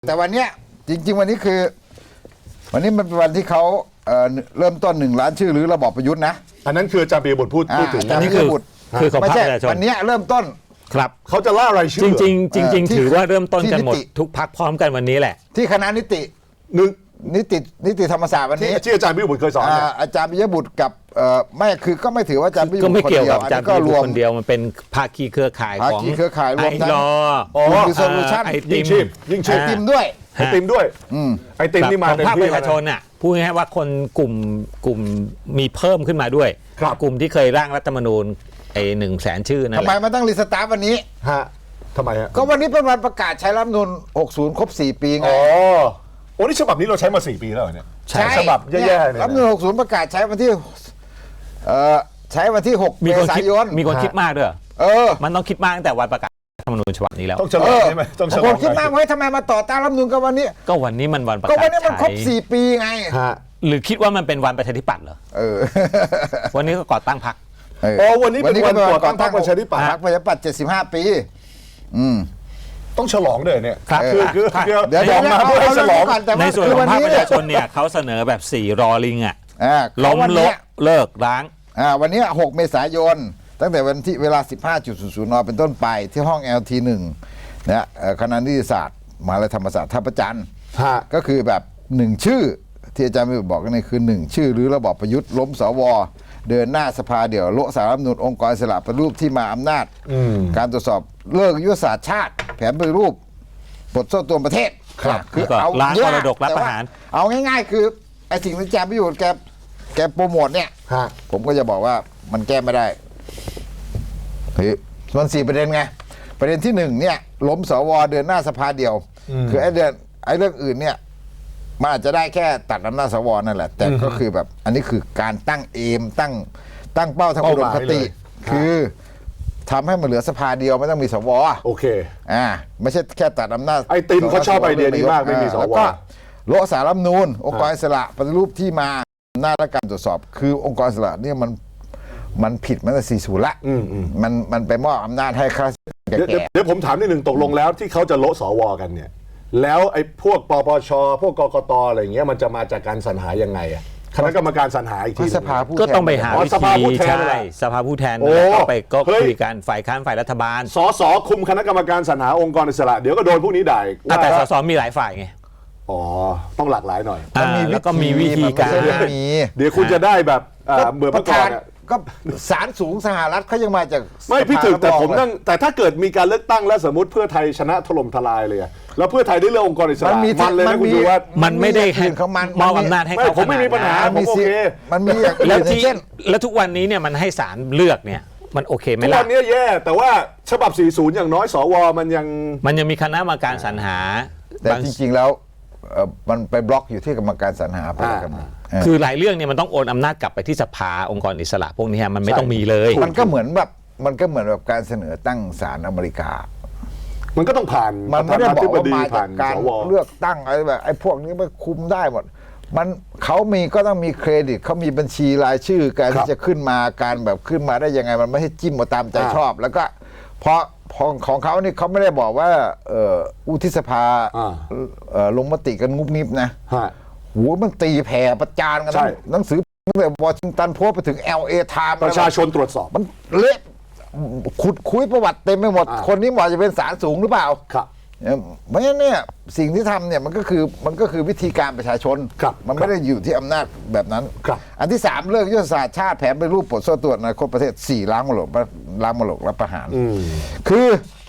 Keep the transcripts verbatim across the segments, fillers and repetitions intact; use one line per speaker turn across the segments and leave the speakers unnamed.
แต่วันเนี้ยจริงๆวันนี้คือวันนี้มันเป็นวันที่เขาเอ่อเริ่มต้นหนึ่งล้านชื่อหรือระบอบประยุทธ์นะ
อันนั้นคืออาจารย์ปียบุตรพูดพูดถึง
อันนี้คือ
คือของ
ไม่
พรรค
ใช่
ประชาชน
วันนี้เริ่มต้น
ครับ
เขาจะล่ารายชื่
จ
อ
ริงๆจริง
เอ่อ
ๆ ถือว่าเริ่มต้นกันหมด
ที่นิติ
ทุกพักพร้อมกันวันนี้แหละ
ที่คณะนิติ
หนึ่ง
นิตินิติธรรมศาสตร์วัน
ที่
นี้
ที่อาจารย์ปียบุตรเคยสอน
อ่า
เนี่ย
อาจารย์ปิยบุตรกับเอ่อไม่คือก็ไม่ถือว่าอาจารย์ปิยบุ
ก็
ตร
ไม่
คน
เกี่ยว
เดีย
กั
ว
บ
อัน
อาจาร
นี้
ย์
ก็
ปี
ร
ยว
ม
คนเดียวมันเป็นภาคีเครือข่าย
ภา
ของ
คีเครือข่ายรวม
ไอ
ทั้ง
รอ
อ๋อ
ดิโซลูชั่น
ไอติ
ยิ่ง
ม
ชีพยิ่งชีพ
ติมด้วย
ไอติมด้วย
อืม
ไอติมนี่มา
ของ
เต็ม
ภาคป
ที่
ระชาชนน่ะพูดง่ายๆว่าคนกลุ่มกลุ่มมีเพิ่มขึ้นมาด้วย
ครับ
กลุ่มที่เคยร่างรัฐธรรมนูญไอ้หนึ่งแสนชื่อนั่น
ทำ
แห
ไม
ละ
มันต้องรีสตาร์ทวันนี้
ฮะทำไมฮะ
ก็วันนี้เป็นวันประกาศใช้รัฐธรรมนูญหกสิบครบสี่ปีไง
อ๋อโอ้นี่ฉบับนี้เราใช้มาสี่ปีแล้วเหรอเนี่ย
ใช่
ฉบับแย่ๆเนี่ย
รัฐธรรมนูญหกสิบประกาศใช้วันที่เอ่อใช้วันที่หก
มี
เม
คน
ษา
คิด
ยน
มีคนคิดมากด้วย
เออ
มันต้องคิดมากตั้งแต่วันประกาศรัฐธรรมนูญฉบับนี้แล้ว
ต้องฉลองใช่ไหมต้องฉล
ค
อง
นคิดมากไว้ทำไมมาต่อต้านรัฐธรรมนูญกันวันนี้
ก็วันนี้มันวันประ
ก็
กา
วัน
ศ
นี้มันครบ
ใช้
สี่ปีไง
ฮะ
หรือคิดว่ามันเป็นวันประชาธิปัตย์เหรอ
เออ
วันนี้ก็ก่อตั้งพรรค
เออ
อ๋อวันนี้เป็นวันก่อตั้งพรรคประชาธิปัตย์
พรรคประชาธิปัตย์เจ็ดสิบห้าปีอืม
ต้องฉลองด้วยเนี่ย
ครับ
คือคือ
ครับ
คือ
เดี๋ยว
บอกมา
เดี๋ยว
เพื่อให้
เอา
ฉลอง
เรื่องนี้ก่อนแต่ว่า
ในส่วน
คือ
ข
วั
อน งภาค
นี้
ประชาชนเนี่ยเขาเสนอแบบสี่รอลิงอ่ะ
อ่า
ล้ม
วัน
ล
นี้
กเลิกล้าง
อ่าวันนี้หกเมษายนตั้งแต่วันที่เวลา สิบห้าจุดศูนย์ศูนย์ นเป็นต้นไปที่ห้อง แอล ที หนึ่งนะเอ่อคณะนิติศาสตร์มหาวิทยาลัยธรรมศาสตร์ท่าประจันทร์
ฮะ
ก็คือแบบหนึ่งชื่อที่อาจารย์วิบอกกันนี่คือหนึ่งชื่อหรือระบอบประยุทธ์ล้มสวเดินหน้าสภาเดี่ยวโละสารรัฐธรรมนูญองค์กรอิสระปฏิรูปที่มาอำนาจ
อืม
การตรวจสอบเลิกยุทธศาสตร์ชาติ แผนปฏิรูปบทโซ่ตัวประเทศ
ครับ
คือ
แล้วก็
เอา
ล้าง
เยอะ
มรดกรับ
แต่
ประ
ว่า
หาร
เอาง่าย ๆ คือไอ้สิ่งที่อาจารย์วิอยู่แกแกโปรโมทเนี่ย
ฮะ
ผมก็จะบอกว่ามันแก้ไม่ได้เฮ้ยมันสี่ประเด็นไง ประเด็นที่หนึ่งเนี่ยล้มสวเดินหน้าสภาเดียว คือไอ้เดือนไอ้เรื่องอื่นเนี่ยมันอาจจะได้แค่ตัดอำนาจสวนั่นแหละ แต่ก็คือแบบอันนี้คือการตั้งเอมตั้งตั้งเป้าทางอุดมคติ คือทำให้มันเหลือสภาเดียวไม่ต้องมีสว
โอเค
อ่าไม่ใช่แค่ตัดอำนาจ
ไอ้ติมเขาชอบไอเดียนี้มากไม่มีสว
แล้วก็โละสารรัฐธรรมนูญองค์กรอิสระปฏิรูปที่มาอำนาจและการตรวจสอบ คือองค์กรอิสระเนี่ยมันมันผิดมาตั้งแต่สี่สิบละ
อืมอืม
มันมันไปมอบอำนาจให้ข้าราชการ
เดี๋ยวเดี๋ยว
แก่
เดี๋ยวผมถามนิดหนึ่งตกลงแล้วที่เขาจะโละสวกันเนี่ย แล้วไอ้พวกปปชพวกกกตอะไรอย่างเงี้ยมันจะมาจากการสรรหายังไงอะคณะกรรมการสรรหาอีก
ๆ
ที
ที่
หนึ่
สภาผู้
ก็
แทน
ต้องไปหา
อ๋อ
วิ
สภาผู้
ธี
แทน
ใช่
นั่นแหละ
สภาผู้แทน
โอ้
นั่นแหละก็ไปก็
เฮ้ย
คุยกันฝ่ายค้านฝ่ายรัฐบาล
สสคุมคณะกรรมการสรรหาองค์กรอิสระเดี๋ยวก็โดนพวกนี้ด่าอีก
อ่ะแต่ส
ว่า
สมีหลายฝ่ายไง
อ๋อต้องหลากหลายหน่อย
อ่าแล้วก็มีวิธีการ
มันไม่ใช่ไม่มี
เดี๋ยวคุณจะได้แบบอ่าเหมือน
ป
เมื่
ระ
อก่อ
ธาน น
อะ
ก็ศาลสูงสหรัฐเขายังมาจาก
ไม่พี่ถึกแต่ผม
สภา
นั่งแต่ถ้าเกิดมีการเลือกตั้งแล้วสมมติเพื่อไทยชนะถล่มทลายเลยอะแล้วเพื่อไทยได้เลือกองค์กรอิสระ
มันมี
มันเลยนะคุณดูว่า
มันไม่ได้
อย่างอื่นของมัน
มอบ
มันมี
อำนาจให้
ไม่
เขา
ผมไม่มีปัญหา
ขนด
มันมี
โอ
สิ
เค
มันมีอย่าง
แล้ว
อื่น
ที่
เช่น
แล้วทุกวันนี้เนี่ยมันให้ศาลเลือกเนี่ยมันโอเคไหม
ทุก
ล่ะ
วันนี้แย่แต่ว่าฉบับ สี่สิบ อย่างน้อยสวมันยัง
มันยังมีคณะกรรมการสรรหา
แต่
บาง
จริงๆแล้วเอ่อมันไปบล็อกอยู่ที่กรรมการสรรหาไปแล้วกันเออ
คือหลายเรื่องเนี่ยมันต้องโอนอำนาจกลับไปที่สภาองค์กรอิสระพวกนี้มันไม่ต้องมีเลย
มันก็เหมือนแบบมันก็เหมือนแบบการเสนอตั้งศาลอเมริกา
มันก็ต้องผ่าน
มันไม่ได้บอกว่ามา
ผ่า
จาน กการ
สว
เลือกตั้งอะไรแบบไอ้พวกนี้มันคุมได้หมดมันเขามีก็ต้องมีเครดิตเขามีบัญชีรายชื่อการ
ครับ
ที่จะขึ้นมาการแบบขึ้นมาได้ยังไงมันไม่ให้จิ้มมาตามใจ
อ่า
ชอบ แล้วก็เพราะของของเขานี่เขาไม่ได้บอกว่าเอ่ออุทิสภา
อ่า
เอ่อลงมติกันงุบงิบนะ
ฮะ
หัวมันตีแผ่ประจานกัน
ใช่
หนังสือตั้งแต่วอชิงตันโพสต์ไปถึง แอล เอ Times
ประชาชนตรวจสอบ
มันเละขุดคุยประวัติเต็มไปหมด
อ่า
คนนี้เหมาะจะเป็นศาลสูงหรือเปล่า
ครับ
เอ่อเพราะฉะนั้นเนี่ยสิ่งที่ทำเนี่ยมันก็คือมันก็คือวิธีการประชาชน
ครับ
มันไม่ได้อยู่ที่อำนาจแบบนั้น
ครับ
อันที่สามเลิกยุทธศาสตร์ชาติแผนไปรูปปลดโซ่ตรวจอนาคตประเทศสี่ล้างมรดกล้างมรดกรับประหาร
อืม
คือ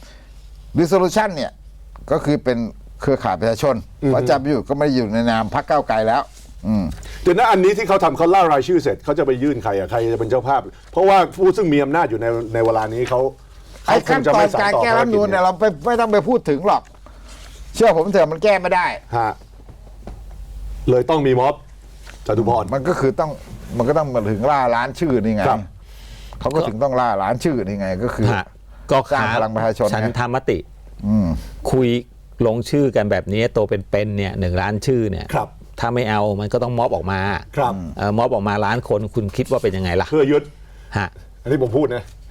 resolution เนี่ยก็คือเป็นเครือข่ายประชาชนเพราะอาจารย์ประยุทธ์ก็ไม่ได้อยู่ในนามพรรคก้าวไกลแล้ว อืม
เดี๋ยวนะอันนี้ที่เขาทำเขาล่ารายชื่อเสร็จเขาจะไปยื่นใครอะใครจะเป็นเจ้าภาพ เพราะว่าผู้ซึ่งมีอำนาจอยู่ในในเวลานี้เขา
ไอ้
เขาค
ขั้
ง
น
จะ
ตอ
ไม่
น
สาน
การ
ต่อ
แก้รัฐธรรมนูญเนี่ยเราไปไม่ต้องไปพูดถึงหรอก เชื่อผมเถอะมันแก้ไม่ได้
ฮะเลยต้องมีม็อบจตุพร
มันก็คือต้องมันก็ต้องมาถึงล่าล้านชื่อนี่ไง
ครับ
เขาก็ถึงต้องล่าล้านชื่อนี่ไง ก็คือ
ฮะก็
สร้างพลังประชาชน
ฉัน
ไง
ทามติ
อืม
คุยลงชื่อกันแบบนี้โตเป็นๆเนี่ยหนึ่งล้านชื่อเนี่ย
ครับ
ถ้าไม่เอามันก็ต้องม็อบออกมา
ครับ
เอ่อม็อบออกมาล้านคนคุณคิดว่าเป็นยังไงล่ะ
เพื่อยึด
ฮะ
อันนี้ผมพูดนะ